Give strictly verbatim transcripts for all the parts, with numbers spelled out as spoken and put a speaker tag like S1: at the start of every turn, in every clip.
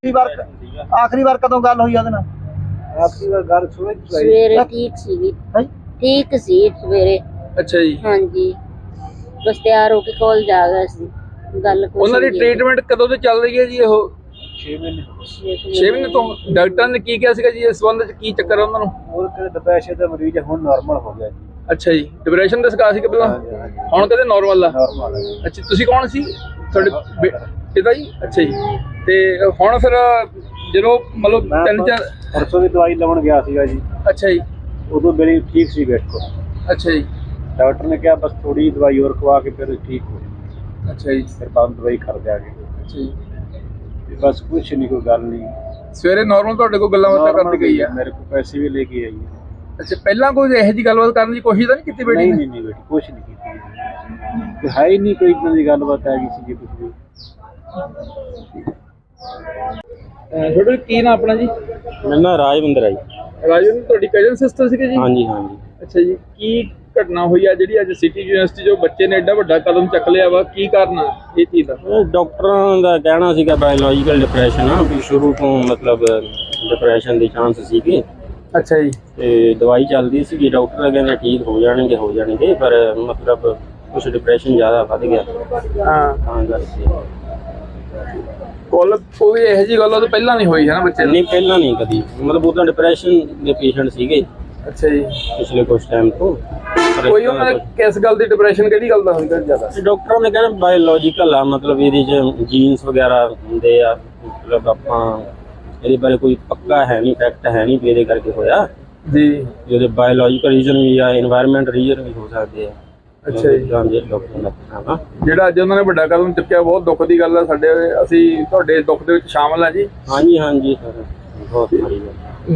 S1: ਵਾਰ ਆਖਰੀ ਵਾਰ ਕਦੋਂ ਗੱਲ ਹੋਈ ਉਹਦੇ ਨਾਲ?
S2: ਆਖਰੀ ਵਾਰ ਗੱਲ ਸੁਣੀ
S3: ਸਵੇਰੇ ਠੀਕ ਸੀ
S1: ਹੈਂ?
S3: ਠੀਕ ਸੀ ਸਵੇਰੇ।
S4: ਅੱਛਾ ਜੀ।
S3: ਹਾਂਜੀ ਬਸ ਤਿਆਰ ਹੋ ਕੇ ਕਾਲਜ ਆ ਗਿਆ ਸੀ। ਗੱਲ ਕੁਛ
S4: ਉਹਨਾਂ ਦੀ
S3: ਨਹੀਂ
S4: ਟ੍ਰੀਟਮੈਂਟ ਕਦੋਂ ਤੋਂ ਚੱਲ ਰਹੀ ਹੈ ਜੀ? ਉਹ
S2: ਛੇ ਮਹੀਨੇ
S4: ਛੇ ਮਹੀਨੇ ਤੋਂ। ਡਾਕਟਰਾਂ ਨੇ ਕੀ ਕਿਹਾ ਸੀਗਾ ਜੀ ਇਸ ਸੰਬੰਧ ਚ? ਕੀ ਚੱਕਰ ਹੈ ਉਹਨਾਂ ਨੂੰ?
S2: ਹੋਰ ਕਿਤੇ ਡਿਪਰੈਸ਼ਨ ਦਾ ਮਰੀਜ਼ ਹੁਣ ਨਾਰਮਲ ਹੋ ਗਿਆ ਜੀ।
S4: ਅੱਛਾ ਜੀ, ਡਿਪਰੈਸ਼ਨ ਦਾ ਸਿਕਾਰ ਸੀ ਕਿ ਪਹਿਲਾਂ?
S2: ਹਾਂਜੀ, ਹਾਂਜੀ।
S4: ਹੁਣ ਕਹਿੰਦੇ ਨਾਰਮਲ ਆ।
S2: ਨਾਰਮਲ ਹੈ।
S4: ਅੱਛਾ, ਤੁਸੀਂ ਕੌਣ ਸੀ? ਤੁਹਾਡੇ ਬੇ- ਪਿਤਾ ਜੀ? ਅੱਛਾ ਜੀ। ਤੇ ਹੁਣ ਫਿਰ ਜਦੋਂ ਮਤਲਬ
S2: ਮੈਂ
S4: ਤਿੰਨ ਚਾਰ
S2: ਪਰਸੋਂ ਦੀ ਦਵਾਈ ਲਾਉਣ ਗਿਆ ਸੀਗਾ ਜੀ।
S4: ਅੱਛਾ ਜੀ।
S2: ਉਦੋਂ ਮੇਰੀ ਠੀਕ ਸੀ ਵੇਖੋ।
S4: ਅੱਛਾ ਜੀ।
S2: ਡਾਕਟਰ ਨੇ ਕਿਹਾ ਬਸ ਥੋੜੀ ਦਵਾਈ ਹੋਰ ਖਵਾ ਕੇ ਫਿਰ ਠੀਕ ਹੋ ਜਾਊ।
S4: ਅੱਛਾ ਜੀ।
S2: ਫਿਰ ਬੰਦ ਦਵਾਈ ਖਾ ਦਿਆਂਗੇ।
S4: ਅੱਛਾ ਜੀ।
S2: ਤੇ ਬਸ ਕੁਛ ਨਹੀਂ, ਕੋਈ ਗੱਲ ਨਹੀਂ।
S4: ਸਵੇਰੇ ਨਾਰਮਲ ਤੁਹਾਡੇ ਕੋਲ ਗੱਲਾਂ ਬਾਤਾਂ
S2: Normal
S4: ਕਰਦੀ ਗਈ ਆ?
S2: ਮੇਰੇ ਕੋਲ ਪੈਸੇ ਵੀ ਲੈ ਕੇ ਆਈ ਹੈ।
S4: ਅੱਛਾ, ਪਹਿਲਾਂ ਕੋਈ ਇਹੋ ਜਿਹੀ ਗੱਲਬਾਤ ਕਰਨ ਦੀ ਕੋਸ਼ਿਸ਼ ਤਾਂ ਨਹੀਂ ਕੀਤੀ ਬੇਟੀ
S2: ਨਹੀਂ
S4: ਨੇ?
S2: ਨਹੀਂ ਨਹੀਂ ਬੇਟੀ ਕੁਛ ਨਹੀਂ ਕੀਤੀ। ਕੋਈ ਹੈ ਹੀ ਨਹੀਂ, ਕੋਈ ਇਦਾਂ ਦੀ ਗੱਲਬਾਤ ਹੈਗੀ ਸੀ ਜੀ ਕੁਛ ਵੀ।
S4: ਅਹ ਤੁਹਾਡਾ ਕੀ ਨਾਮ ਆਪਣਾ ਜੀ?
S2: ਮੇਰਾ ਨਾਂ ਰਾਜਵਿੰਦਰ ਹੈ ਜੀ।
S4: ਰਾਜਨ, ਤੁਹਾਡੀ ਕਜ਼ਨ ਸਿਸਟਰ ਸੀਗੇ ਜੀ?
S2: ਹਾਂਜੀ ਹਾਂਜੀ।
S4: ਅੱਛਾ ਜੀ। ਕੀ ਘਟਨਾ ਹੋਈ ਆ ਜਿਹੜੀ ਅੱਜ ਸਿਟੀ ਯੂਨੀਵਰਸਿਟੀ ਜੋ ਬੱਚੇ ਨੇ ਐਡਾ ਵੱਡਾ ਕਦਮ ਚੱਕ ਲਿਆ ਵਾ? ਕੀ ਕਾਰਨ ਆ ਇਹ ਚੀਜ਼ ਦਾ?
S5: ਇਹ ਡਾਕਟਰਾਂ ਦਾ ਕਹਿਣਾ ਸੀਗਾ ਬਾਇਓਲੋਜੀਕਲ ਡਿਪਰੈਸ਼ਨ ਆ, ਵੀ ਸ਼ੁਰੂ ਤੋਂ ਮਤਲਬ ਡਿਪਰੈਸ਼ਨ ਦੇ ਚਾਂਸ ਸੀਗੇ
S4: ਅੱਛਾ ਜੀ।
S5: ਤੇ ਦਵਾਈ ਚੱਲਦੀ ਸੀਗੀ। ਡਾਕਟਰ ਕਹਿੰਦੇ ਠੀਕ ਹੋ ਜਾਣਗੇ ਹੋ ਜਾਣਗੇ ਪਰ ਮਤਲਬ ਕੁਛ ਡਿਪਰੈਸ਼ਨ ਜ਼ਿਆਦਾ ਵੱਧ ਗਿਆ
S4: ਹਾਂ,
S5: ਤਾਂ ਕਰਕੇ।
S4: ਕੋਲ ਕੋਈ ਇਹੋ ਜਿਹੀ ਗੱਲ ਉਹ ਤੋਂ ਪਹਿਲਾਂ ਨਹੀਂ ਹੋਈ ਹੈ ਨਾ ਬੱਚੇ ਨੂੰ?
S5: ਨਹੀਂ ਪਹਿਲਾਂ ਨਹੀਂ ਕਦੀ, ਮਤਲਬ ਉਹ ਤਾਂ ਡਿਪਰੈਸ਼ਨ ਦੇ ਪੇਸ਼ੈਂਟ ਸੀਗੇ
S4: ਅੱਛਾ ਜੀ।
S5: ਪਿਛਲੇ ਕੁਛ ਟਾਈਮ ਤੋਂ। ਪਰ
S4: ਕੋਈ ਉਹਨਾਂ ਨੇ ਕਿਸ ਗੱਲ ਦੀ ਡਿਪਰੈਸ਼ਨ, ਕਿਹੜੀ ਗੱਲ ਦਾ ਹੁੰਦਾ ਜ਼ਿਆਦਾ?
S5: ਡਾਕਟਰਾਂ ਨੇ ਕਹਿੰਦੇ ਬਾਇਓਲੋਜੀਕਲ ਆ, ਮਤਲਬ ਇਹਦੇ ਚ ਜੀਨਸ ਵਗੈਰਾ ਹੁੰਦੇ ਆ, ਮਤਲਬ ਆਪਾਂ ਇਹਦੇ ਬਾਰੇ ਕੋਈ ਪੱਕਾ ਹੈ ਨਹੀਂ, ਫੈਕਟ ਹੈ ਨਹੀਂ ਵੀ ਇਹਦੇ ਕਰਕੇ ਹੋਇਆ
S4: ਜੀ।
S5: ਜਿਹਦੇ ਬਾਇਓਲੋਜੀਕਲ ਰੀਜ਼ਨ ਵੀ ਆ, এনवायरमेंट ਰੀਜ਼ਨ ਵੀ ਹੋ ਸਕਦੇ ਆ।
S4: ਅੱਛਾ ਜੀ।
S5: ਡਾਕਟਰ ਦਾ ਕਹਿਣਾ
S4: ਜਿਹੜਾ ਅੱਜ ਉਹਨਾਂ ਨੇ ਵੱਡਾ ਕਦਮ ਚੁੱਕਿਆ, ਬਹੁਤ ਦੁੱਖ ਦੀ ਗੱਲ ਆ। ਸਾਡੇ ਅਸੀਂ ਤੁਹਾਡੇ ਦੁੱਖ ਦੇ ਵਿੱਚ ਸ਼ਾਮਲ ਆ ਜੀ।
S5: ਹਾਂਜੀ ਹਾਂਜੀ ਸਰ, ਬਹੁਤ ਮਾੜੀ ਗੱਲ।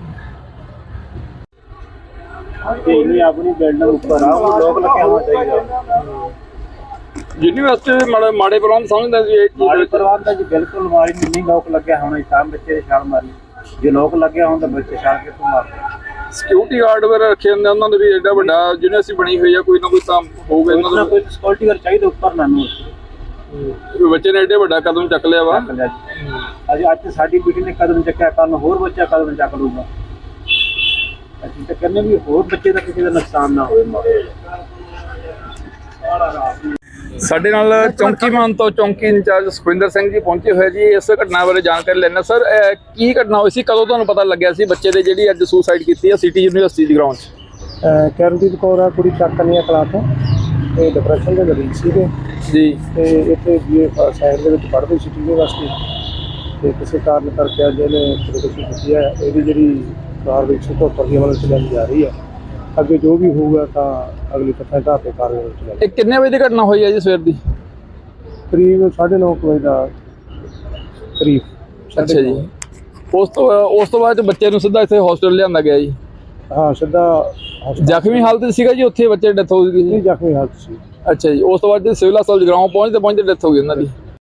S2: ਇਹ ਆਪਣੀ ਬਿਲਡਿੰਗ ਉੱਪਰ ਆ, ਉਹ ਲੋਕ ਲੱਗਿਆ ਹੋਣਾ ਚਾਹੀਦਾ।
S4: ਯੂਨੀਵਰਸਿਟੀ ਦੇ ਮਾੜੇ ਮਾੜੇ ਪ੍ਰਬੰਧ ਸਮਝਦਾ ਸੀ ਇਹ ਚੀਜ਼
S2: ਮਾੜੀ
S4: ਵਿੱਚ?
S2: ਪ੍ਰਬੰਧ ਦਾ ਜੀ ਬਿਲਕੁਲ ਮਾਰੀ ਨਹੀਂ। ਲੋਕ ਲੱਗਿਆ ਹੋਣਾ ਜੀ, ਤਾਂ ਬੱਚੇ ਦੇ ਛਾਲ ਮਾਰੀ। ਜੇ ਲੋਕ ਲੱਗਿਆ ਹੋਣ ਤਾਂ ਬੱਚੇ ਛਾਲ ਕਿੱਥੋਂ ਮਾਰਦੇ?
S4: ਸਿਕਿਉਰਿਟੀ ਗਾਰਡ ਵਗੈਰਾ ਰੱਖੇ ਹੁੰਦੇ ਉਹਨਾਂ ਦੇ ਵੀ ਐਡਾ ਵੱਡਾ ਯੂਨੀਵਰਸਿਟੀ ਬਣੀ ਹੋਈ ਆ, ਕੋਈ ਨਾ ਕੋਈ ਤਾਂ ਹੋਊਗਾ
S2: ਕੋਈ
S4: ਇਹਨਾਂ
S2: ਨਾ
S4: ਦਾ।
S2: ਕੋਈ ਸਿਕਿਉਰਿਟੀ ਗਾਰਡ ਚਾਹੀਦਾ ਉੱਪਰ ਨਾ ਨੂੰ।
S4: ਵੀ ਬੱਚੇ ਨੇ ਐਡੇ ਵੱਡਾ ਕਦਮ ਚੱਕ ਲਿਆ ਵਾ।
S2: ਅੱਜ ਅੱਜ ਸਾਡੀ ਬੇਟੀ ਨੇ ਕਦਮ ਚੱਕਿਆ, ਕੱਲ ਹੋਰ ਬੱਚਾ ਕਦਮ ਚੱਕ ਲੂਗਾ। ਅਸੀਂ ਤਾਂ ਕਹਿੰਦੇ ਵੀ ਹੋਰ ਬੱਚੇ ਦਾ ਕਿਸੇ ਦਾ ਨੁਕਸਾਨ ਨਾ ਹੋਵੇ।
S4: ਸਾਡੇ ਨਾਲ ਚੌਂਕੀਮਾਨ ਤੋਂ ਚੌਂਕੀ ਇੰਚਾਰਜ ਸੁਖਵਿੰਦਰ ਸਿੰਘ ਜੀ ਪਹੁੰਚੇ ਹੋਏ ਜੀ। ਇਸ ਘਟਨਾ ਬਾਰੇ ਜਾਣਕਾਰੀ ਲੈਣਾ। ਸਰ, ਕੀ ਘਟਨਾ ਹੋਈ ਸੀ? ਕਦੋਂ ਤੁਹਾਨੂੰ ਪਤਾ ਲੱਗਿਆ ਸੀ ਬੱਚੇ ਦੇ ਜਿਹੜੀ ਅੱਜ ਸੁਸਾਈਡ ਕੀਤੀ ਹੈ ਸਿਟੀ ਯੂਨੀਵਰਸਿਟੀ ਦੀ ਗਰਾਊਂਡ 'ਚ?
S1: ਕਰਨਦੀਪ ਕੌਰ ਆ ਕੁੜੀ ਚੱਕਨੀਆ ਕਲਾ ਤੋਂ। ਤੇ ਡਿਪਰੈਸ਼ਨ ਦੇ ਮਰੀਜ਼ ਸੀਗੇ
S4: ਜੀ।
S1: ਤੇ ਇੱਥੇ ਬੀਏ ਸਾਇੰਸ ਦੇ ਵਿੱਚ ਪੜ੍ਹਦੇ ਸੀ ਯੂਨੀਵਰਸਿਟੀ। ਤੇ ਕਿਸੇ ਕਾਰਨ ਕਰਕੇ ਅੱਜ ਇਹਨੇ ਖੁਦਕੁਸ਼ੀ ਕੀਤੀ ਹੈ। ਇਹਦੀ ਜਿਹੜੀ ਕਾਰਵਾਈ ਇੱਕ ਸੌ ਚੁਹੱਤਰ ਦੀ ਅਮਲ 'ਚ ਲਿਆਂਦੀ ਜਾ ਰਹੀ ਹੈ। ਅੱਗੇ ਜੋ ਵੀ ਹੋਊਗਾ ਤਾਂ ਅਗਲੀ ਤੱਥਾਂ ਢਾਹ ਕੇ ਕਾਰਵਾਈ ਵਿੱਚ ਲਿਆਂਦੀ।
S4: ਇਹ ਕਿੰਨੇ ਵਜੇ ਦੀ ਘਟਨਾ ਹੋਈ ਹੈ ਜੀ? ਸਵੇਰ ਦੀ
S1: ਕਰੀਬ ਸਾਢੇ ਨੌ ਕੁ ਵਜੇ ਦਾ ਕਰੀਬ।
S4: ਅੱਛਾ ਜੀ। ਉਸ ਤੋਂ ਉਸ ਤੋਂ ਬਾਅਦ ਬੱਚੇ ਨੂੰ ਸਿੱਧਾ ਇੱਥੇ ਹਸਪੀਟਲ ਲਿਆਂਦਾ ਗਿਆ ਜੀ?
S1: ਹਾਂ, ਸਿੱਧਾ ਹਸਪਤਾਲ।
S4: ਜ਼ਖਮੀ ਹਾਲਤ ਸੀਗਾ ਜੀ ਉੱਥੇ ਬੱਚੇ ਦੀ ਡੈਥ ਹੋ ਗਈ
S1: ਨਹੀਂ,
S4: ਜੀ?
S1: ਜ਼ਖਮੀ ਹਾਲਤ ਸੀ।
S4: ਅੱਛਾ ਜੀ। ਉਸ ਤੋਂ ਬਾਅਦ ਸਿਵਲ ਹਸਪਤਾਲ ਜਗਰਾਉਂ ਪਹੁੰਚਦੇ ਪਹੁੰਚਦੇ ਡੈਥ ਹੋ ਗਈ ਉਹਨਾਂ ਦੀ?